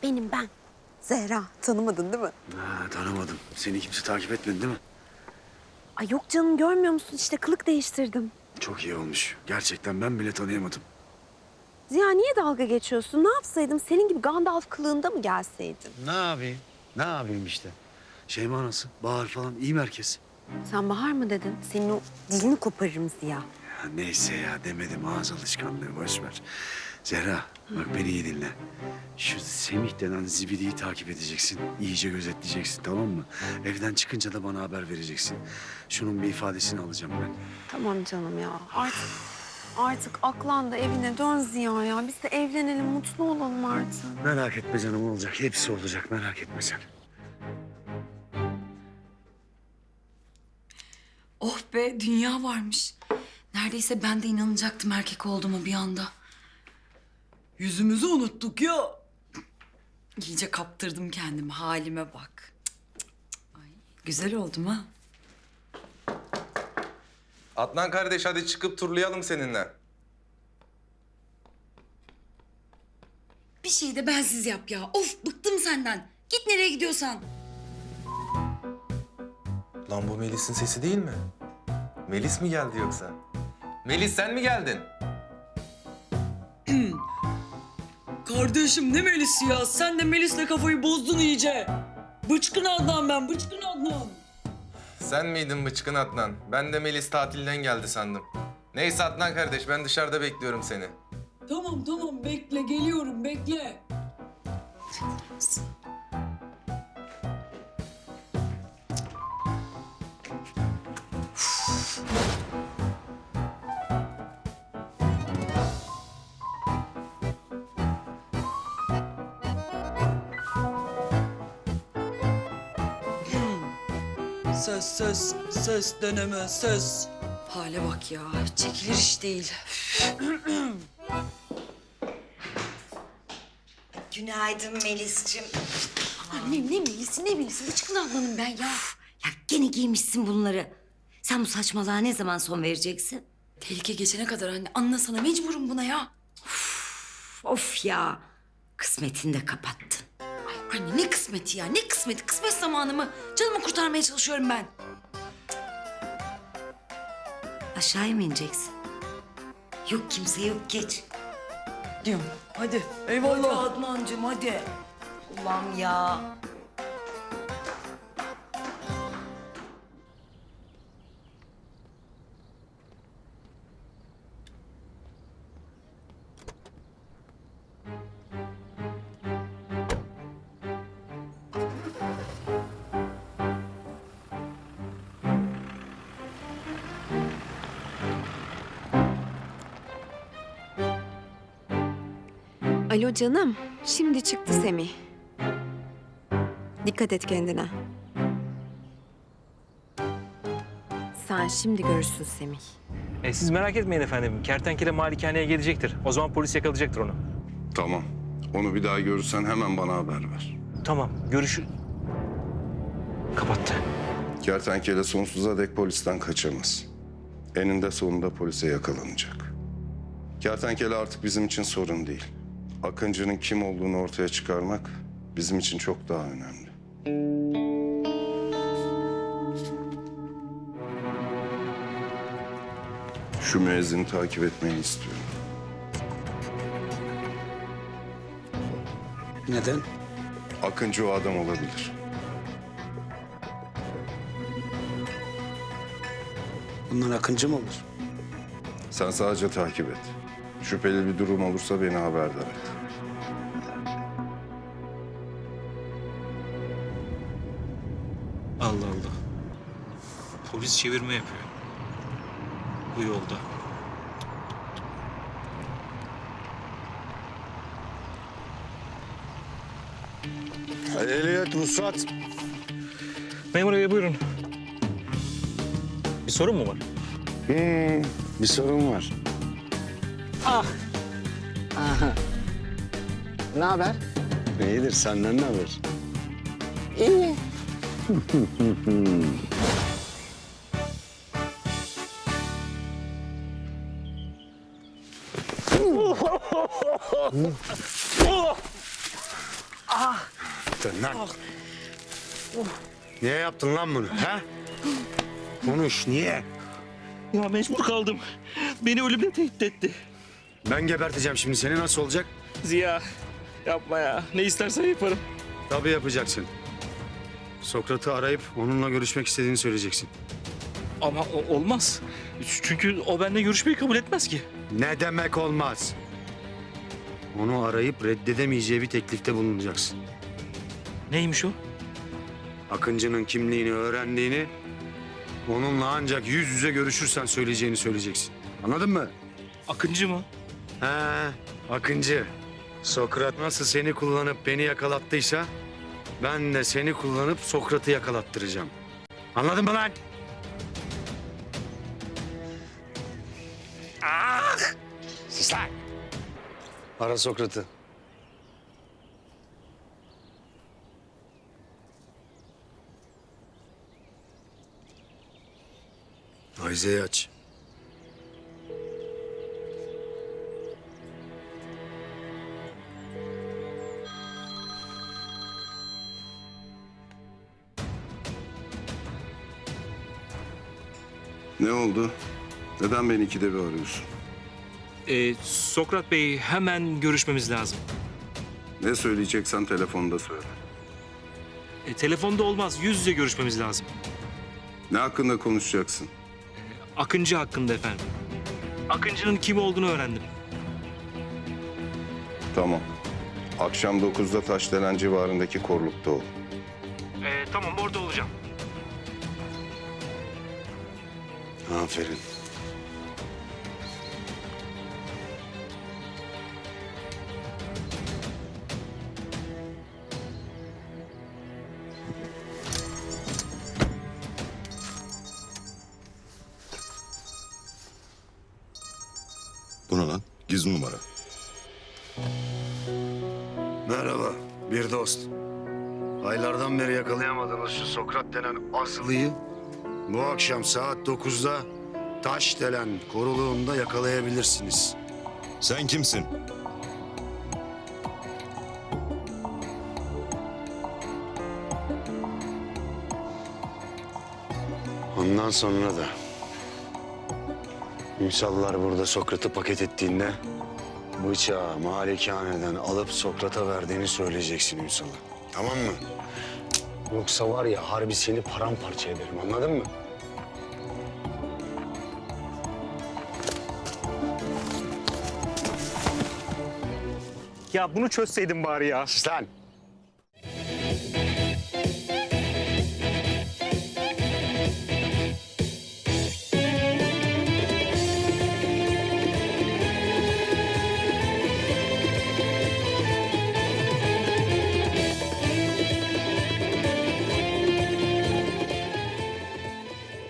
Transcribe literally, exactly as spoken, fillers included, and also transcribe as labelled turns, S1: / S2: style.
S1: benim ben. Zehra, tanımadın değil mi?
S2: Ha, tanımadım. Seni kimse takip etmedi değil mi?
S1: Ay yok canım, görmüyor musun? İşte kılık değiştirdim.
S2: Çok iyi olmuş. Gerçekten ben bile tanıyamadım.
S1: Ziya niye dalga geçiyorsun? Ne yapsaydım? Senin gibi Gandalf kılığında mı gelseydim?
S2: Ne yapayım? Ne yapayım işte? Şeyma nasıl? Bahar falan iyi mi herkes?
S1: Sen Bahar mı dedin? Senin o dilini koparırım Ziya.
S2: Ya neyse ya demedim, ağız alışkanlığı, boş ver. Zehra bak beni iyi dinle. Şu Semih denen zibidiyi takip edeceksin. İyice gözetleyeceksin, tamam mı? Evden çıkınca da bana haber vereceksin. Şunun bir ifadesini alacağım ben.
S1: Tamam canım ya. Artık artık aklan da evine dön Ziya ya. Biz de evlenelim, mutlu olalım artık.
S2: Merak etme canım, olacak. Hepsi olacak, merak etme sen.
S3: Oh be, dünya varmış. Neredeyse ben de inanacaktım erkek olduğuma bir anda. Yüzümüzü unuttuk ya. İyice kaptırdım kendimi, halime bak. Cık, cık, cık. Ay, güzel oldum ha.
S4: Adnan kardeş hadi çıkıp turlayalım seninle.
S3: Bir şey de bensiz yap ya. Of, bıktım senden. Git nereye gidiyorsan.
S4: Lan bu Melis'in sesi değil mi? Melis mi geldi yoksa? Melis sen mi geldin?
S5: Kardeşim ne Melis'i ya? Sen de Melis'le kafayı bozdun iyice. Bıçkın Adnan ben, bıçkın Adnan.
S4: Sen miydin bıçkın Adnan? Ben de Melis tatilden geldi sandım. Neyse Adnan kardeş ben dışarıda bekliyorum seni.
S5: Tamam tamam bekle, geliyorum bekle. Ses ses ses deneme ses.
S3: Hale bak ya, çekilir iş değil.
S6: Günaydın Melis'cim.
S3: Annem ne Melis'i ne Melis'i, bıçkın Adnan'ım ben ya.
S6: Ya gene giymişsin bunları. Sen bu saçmalığa ne zaman son vereceksin?
S3: Tehlike geçene kadar anne, anlasana mecburum buna ya.
S6: Of ya. Kısmetini de kapattın.
S3: Ay anne ne kısmeti ya, ne kısmeti? Kısmet zamanı mı? Canımı kurtarmaya çalışıyorum ben.
S6: Aşağıya mı ineceksin? Yok kimse yok geç.
S5: Diyorum. Hadi.
S6: Hadi
S5: Eyvallah.
S6: Adnancığım hadi. Ulan ya.
S1: Alo canım. Şimdi çıktı Semih. Dikkat et kendine. Sen şimdi görürsün Semih.
S7: E, siz merak etmeyin efendim. Kertenkele malikaneye gelecektir. O zaman polis yakalayacaktır onu.
S8: Tamam. Onu bir daha görürsen hemen bana haber ver.
S7: Tamam, görüşü... Kapattı.
S8: Kertenkele sonsuza dek polisten kaçamaz. Eninde sonunda polise yakalanacak. Kertenkele artık bizim için sorun değil. Akıncı'nın kim olduğunu ortaya çıkarmak bizim için çok daha önemli. Şu müezzini takip etmeni istiyorum.
S2: Neden?
S8: Akıncı o adam olabilir.
S2: Bundan Akıncı mı olur?
S8: Sen sadece takip et. Şüpheli bir durum olursa beni haberdar et.
S7: Allah Allah. Polis çevirme yapıyor. Bu yolda.
S8: Ehliyet, ruhsat.
S7: Memur bey buyurun. Bir sorun mu var?
S8: Hmm, bir sorun var.
S2: Ne haber?
S8: İyidir, senden ne haber?
S2: İyi. Yaptın lan. Niye yaptın lan bunu? Ha? Konuş, niye?
S7: Ya mecbur kaldım. Beni ölümle tehdit etti.
S2: Ben geberteceğim şimdi seni, nasıl olacak?
S7: Ziya yapma ya. Ne istersen yaparım.
S2: Tabii yapacaksın. Sokrat'ı arayıp onunla görüşmek istediğini söyleyeceksin.
S7: Ama o- olmaz. Çünkü o benimle görüşmeyi kabul etmez ki.
S2: Ne demek olmaz? Onu arayıp reddedemeyeceği bir teklifte bulunacaksın.
S7: Neymiş o?
S2: Akıncı'nın kimliğini öğrendiğini, onunla ancak yüz yüze görüşürsen söyleyeceğini söyleyeceksin. Anladın mı?
S7: Akıncı mı?
S2: He, Akıncı. Sokrat nasıl seni kullanıp beni yakalattıysa, ben de seni kullanıp Sokrat'ı yakalattıracağım. Anladın mı lan? Ah! Sus lan! Ara Sokrat'ı. Ayze'yi aç.
S8: Ne oldu? Neden beni ikide bir arıyorsun?
S7: Ee, Sokrat Bey, hemen görüşmemiz lazım.
S8: Ne söyleyeceksen telefonda söyle.
S7: E, telefonda olmaz. Yüz yüze görüşmemiz lazım.
S8: Ne hakkında konuşacaksın?
S7: Akıncı hakkında efendim. Akıncı'nın kim olduğunu öğrendim.
S8: Tamam. Akşam dokuzda Taşdelen civarındaki korlukta ol.
S7: Ee, tamam, orada olacağım.
S2: Aferin.
S8: Bu ne lan? Gizli numara.
S2: Merhaba, bir dost. Aylardan beri yakalayamadığınız şu Sokrat denen azılıyı bu akşam saat dokuzda Taşdelen koruluğunda yakalayabilirsiniz.
S8: Sen kimsin?
S2: Ondan sonra da Ünsallar burada Sokrat'ı paket ettiğinde bıçağı malikaneden alıp Sokrat'a verdiğini söyleyeceksin Ünsal'a. Tamam mı? Yoksa var ya harbi seni paramparça ederim, anladın mı?
S7: Ya bunu çözseydin bari ya.
S2: Sus lan!